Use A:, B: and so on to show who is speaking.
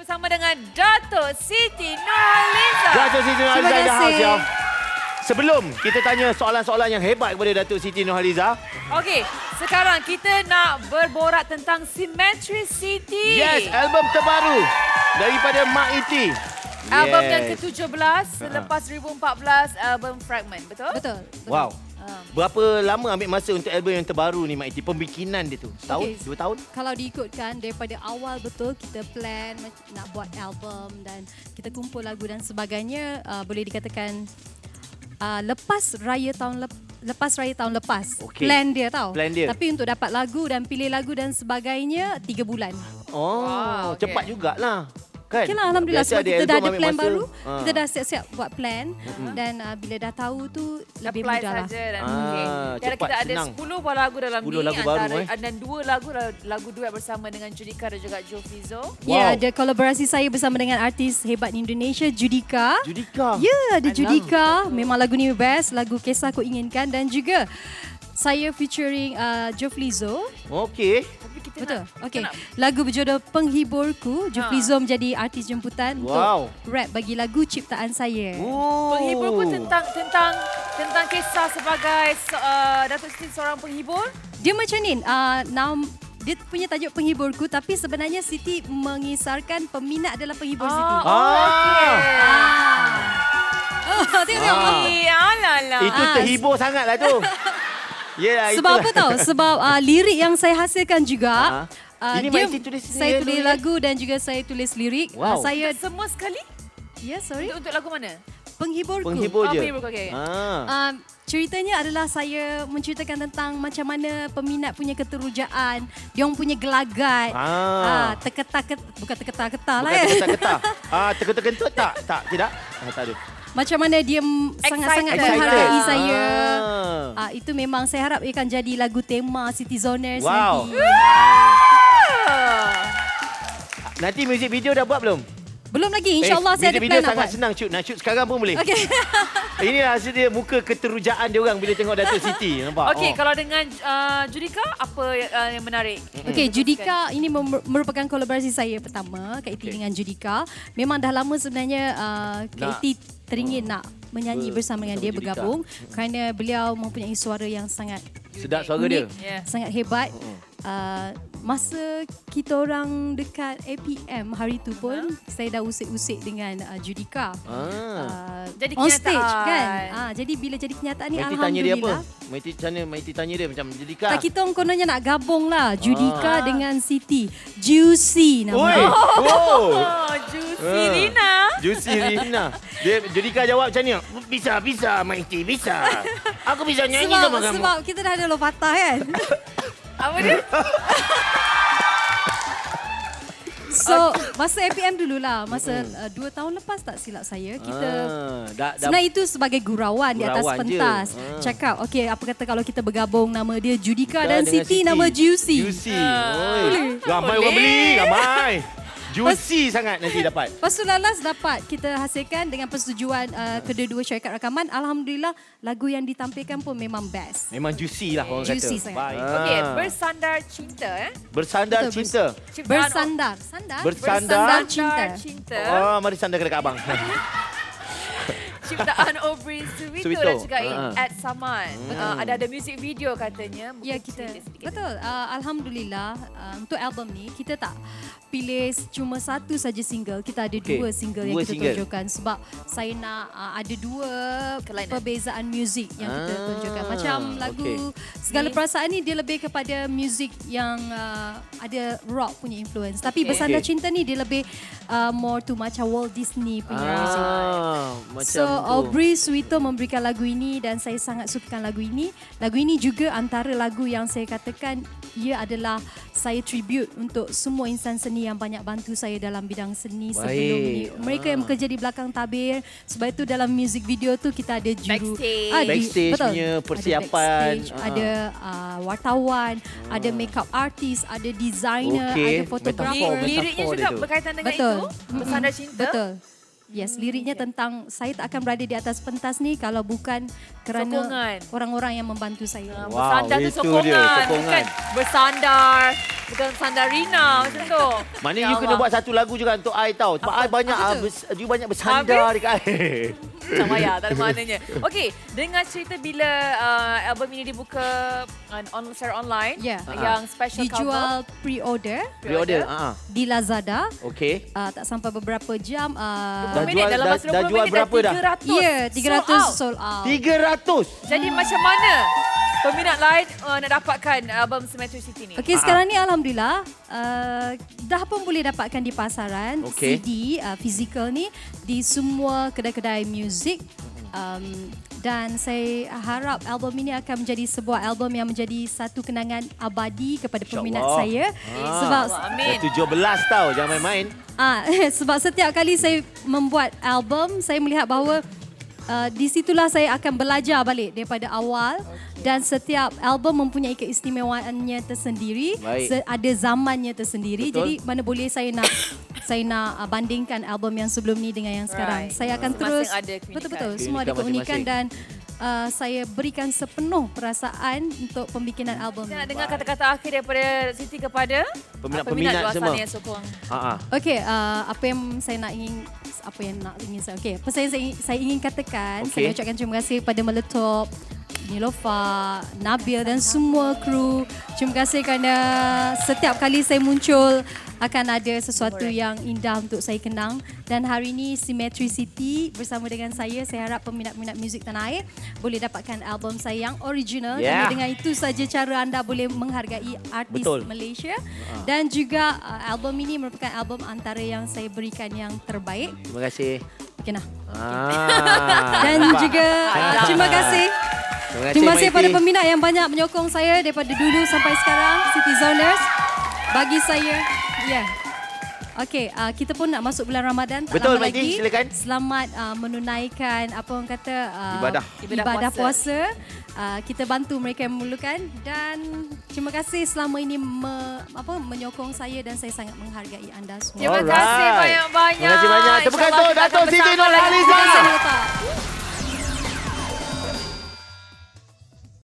A: bersama dengan Dato' Siti Nurhaliza.
B: Dato' Siti Nurhaliza in the house,
C: kasih.
B: ya. Sebelum kita tanya soalan-soalan yang hebat kepada Dato' Siti Nurhaliza.
A: Okey, sekarang kita nak berborak tentang Symmetricity.
B: Yes, album terbaru daripada Mak Iti.
A: Album
B: Yes.
A: yang ke-17 selepas 2014, album Fragment, betul?
C: Betul.
B: Wow. Berapa lama ambil masa untuk album yang terbaru ni, Mak Iti? Pembikinan dia tu? Setahun?
C: Okey.
B: 2 tahun?
C: Kalau diikutkan daripada awal betul kita plan nak buat album dan kita kumpul lagu dan sebagainya, boleh dikatakan lepas raya tahun lepas.
B: Okey.
C: Plan dia tau.
B: Plan dia.
C: Tapi untuk dapat lagu dan pilih lagu dan sebagainya 3 bulan.
B: Oh,
A: Wow, okey.
B: cepat jugalah. Kan?
C: Okay lah, Alhamdulillah
B: Biasa
C: sebab kita dah
B: album
C: ada
B: ambil
C: plan
B: masa.
C: baru, kita dah siap-siap buat plan dan bila dah tahu tu lebih
A: Apply
C: mudah lah.
A: saja dan Dan
B: cepat,
A: kita ada
B: senang.
A: 10 buah lagu dalam
B: 10
A: ni
B: lagu baru,
A: dan 2 lagu duet bersama dengan Judika dan juga Joe Fizo.
C: Ya,
B: Wow.
C: ada kolaborasi saya bersama dengan artis hebat di Indonesia, Judika.
B: Judika.
C: Ya, ada Judika. Memang lagu ni best, lagu Kisah Ku Inginkan dan juga saya featuring Joe Fizo.
B: Okey.
A: Tapi kita
C: Betul.
A: nak,
C: Okey.
A: kita nak
C: Lagu berjodoh Penghiburku, Joe Fizo menjadi artis jemputan
B: Wow.
C: untuk rap bagi lagu ciptaan saya.
B: Oh.
A: Penghiburku tentang kisah sebagai Dato' Siti seorang penghibur.
C: Dia macam ni, dia punya tajuk Penghiburku tapi sebenarnya Siti mengisarkan peminat adalah penghibur Siti.
A: Okey.
C: Tengok.
A: Alah.
B: Itu terhibur sangatlah tu. Ya,
C: Sebab apa tahu? Sebab lirik yang saya hasilkan juga.
B: Ini Mak Iti tulis
C: saya
B: sendiri
C: tulis
B: dulu,
C: lagu dan juga saya tulis lirik.
B: Wow.
C: Saya
A: Semua sekali?
C: ya sorry.
A: Untuk lagu mana?
C: Penghiburku.
B: Penghibur je.
A: Penghibur, okey.
C: Ceritanya adalah saya menceritakan tentang macam mana peminat punya keterujaan, dia orang punya gelagat, bukan terketar-ketar lah
B: Bukan
C: kan.
B: terketar-ketar. Terketar-kentut tak? Tak, tidak? Tak ada.
C: Macam mana dia sangat-sangat
A: Excited.
C: menghargai saya.
B: Ah.
C: Itu memang saya harap ia akan jadi lagu tema Citizoners
B: Wow.
C: nanti.
B: Nanti music video dah buat belum?
C: Belum lagi, insyaAllah saya ada
B: music
C: plan
B: video
C: nak
B: sangat
C: buat.
B: senang shoot. Nak shoot sekarang pun boleh.
C: Okay.
B: Inilah hasil dia muka keterujaan dia orang bila tengok Dato' Siti. Nampak?
A: Okey, kalau dengan Judika, apa yang menarik?
C: Okey, Judika ini merupakan kolaborasi saya pertama, Kak Iti dengan Judika. Memang dah lama sebenarnya Kak Iti teringin nak menyanyi bersama dengan dia,
B: Judika.
C: bergabung kerana beliau mempunyai suara yang sangat
B: Sedap suara dia.
A: Yeah.
C: sangat hebat. Masa kita orang dekat APM hari tu pun saya dah usik-usik dengan Judika.
A: Jadi
C: On stage
A: kenyataan.
C: kan. Jadi bila jadi kenyataan ni
B: Mak Iti tanya dia apa?
C: alhamdulillah.
B: Mak Iti tanya dia macam Judika.
C: Tak, kita orang kononnya nak gabung lah Judika dengan Siti. Juicy
B: Oi.
C: namanya.
B: Oh.
A: Juicy Rina.
B: Juicy Rina. Dia Judika jawab macam ni. Bisa, Mak Iti, bisa. Aku bisa nyanyi sama kamu.
C: Sebab kita dah ada lopatah kan.
A: Apa dia?
C: So masa APM dululah. Masa 2 tahun lepas tak silap saya. Kita sebenarnya itu sebagai gurauan di atas
B: Gurauan je.
C: pentas. Cakap, okey apa kata kalau kita bergabung nama dia Judika dan
B: dengan
C: Siti nama Juicy.
B: Juicy. Oi. Ramai orang beli, ramai. Juicy sangat nanti dapat.
C: Lepas tu lalas dapat kita hasilkan dengan persetujuan kedua-dua syarikat rakaman. Alhamdulillah lagu yang ditampilkan pun memang best.
B: Memang juicy lah orang
C: Juicy
B: kata.
C: sangat.
B: Baik.
A: Okey, bersandar cinta
B: Bersandar
C: Betul,
B: cinta.
C: Bersandar.
B: Bersandar
A: cinta.
B: Oh, mari sandar ke dekat abang.
A: Ciptaan Aubrey Suwito
B: Suwito.
A: dan juga Ed Saman. Ada music video katanya.
C: Ya
A: Mungkin
C: kita
A: cerita sedikit.
C: betul. Alhamdulillah untuk album ni kita tak pilih cuma satu saja single. Kita ada dua single yang kita tunjukkan sebab saya nak ada dua
A: Kelainan.
C: perbezaan muzik yang kita tunjukkan. Macam lagu Segala Perasaan ni dia lebih kepada muzik yang ada rock punya influence. Tapi Bersandar Cinta ni dia lebih more to macam Walt Disney punya muzik.
B: Macam
C: So
B: tu.
C: Aubrey Suwito memberikan lagu ini dan saya sangat sukakan lagu ini. Lagu ini juga antara lagu yang saya katakan ia adalah saya tribute untuk semua insan seni yang banyak bantu saya dalam bidang seni sebelum ni. Mereka yang bekerja di belakang tabir. Sebab itu dalam music video tu kita ada juru
B: Backstage
C: betul.
B: punya persiapan.
C: Ada backstage, ada wartawan, ada makeup artist, ada designer, ada fotografer.
B: Metafor
A: Liriknya
B: dia
A: juga
B: tu.
A: berkaitan dengan
C: Betul.
A: itu. Bersandar cinta.
C: Betul. Yes, liriknya tentang saya tak akan berada di atas pentas ni kalau bukan kerana
A: Sokongan.
C: orang-orang yang membantu saya.
B: Wow,
A: Bersandar tu
B: itu dia,
A: sokongan.
B: sokongan.
A: Bukan bersandar. Bukan sandarina macam tu.
B: Maknanya
A: Ya
B: you kena
A: Allah.
B: buat satu lagu juga untuk I tau. Sebab I banyak you banyak bersandar dekat I.
A: Tak payah, tak ada maknanya. Okey, dengan cerita bila album ini dibuka secara online,
C: Ya.
A: yang special
C: Dijual pre-order
B: Pre-order.
C: di Lazada.
B: Okey.
C: Tak sampai beberapa jam.
B: Dah
A: minit
B: jual-
A: dalam
B: dah-
A: masa
B: dah
A: 20
B: jual
A: minit
B: berapa dah?
A: 300.
C: Ya, 300
A: Sold out.
C: sold out.
B: 300.
A: Jadi macam mana peminat lain nak dapatkan album Cemetery City ni?
C: Okey, sekarang ni alhamdulillah dah pun boleh dapatkan di pasaran
B: Okey.
C: CD fizikal ni di semua kedai-kedai muzik. Dan saya harap album ini akan menjadi sebuah album yang menjadi satu kenangan abadi kepada peminat
B: InsyaAllah.
C: saya. Sebab
A: Amin.
B: Dah 17 tau, jangan main-main.
C: sebab setiap kali saya membuat album, saya melihat bahawa di situlah saya akan belajar balik daripada awal dan setiap album mempunyai keistimewaannya tersendiri,
B: Baik.
C: ada zamannya tersendiri.
B: Betul.
C: Jadi mana boleh saya nak bandingkan album yang sebelum ni dengan yang sekarang.
A: Right.
C: Saya akan
A: Masing-masing
C: terus
A: ada keunikan.
C: betul-betul semua ada
B: Keunikan
C: keunikan
B: masing-masing.
C: dan saya berikan sepenuh perasaan untuk pembikinan album
A: Saya nak
C: ni.
A: dengar kata-kata akhir daripada Siti kepada
B: Peminat-peminat
A: luar
B: semua.
A: sana yang sokong.
C: Okey, apa yang ingin saya okey, apa saya ingin katakan,
B: Okey.
C: saya ucapkan terima kasih kepada Meletup, Nilofa, Nabil dan semua kru. Terima kasih kerana setiap kali saya muncul akan ada sesuatu yang indah untuk saya kenang. Dan hari ini Cemetery City bersama dengan saya harap peminat-peminat muzik tanah air boleh dapatkan album saya yang original.
B: Yeah.
C: Kerana dengan itu saja cara anda boleh menghargai artis
B: Betul.
C: Malaysia. Dan juga album ini merupakan album antara yang saya berikan yang terbaik.
B: Terima kasih.
C: Okey nah.
B: Dan
C: Dan juga terima kasih. Terima kasih pada peminat yang banyak menyokong saya daripada dulu sampai sekarang, City Zoners. Bagi saya, ya. Okey, kita pun nak masuk bulan Ramadan tak
B: Betul,
C: lama
B: Maiti,
C: lagi.
B: silakan.
C: Selamat menunaikan apa orang kata
B: Ibadah.
C: puasa. Kita bantu mereka yang memerlukan dan terima kasih selama ini menyokong saya dan saya sangat menghargai anda semua.
A: Terima kasih banyak-banyak.
B: Terima kasih banyak. Tepukan
A: InsyaAllah
B: untuk
A: kita akan
B: Dato' Siti
A: bersama
B: Nurhaliza.
A: lagi.
C: Terima kasih, Dato'.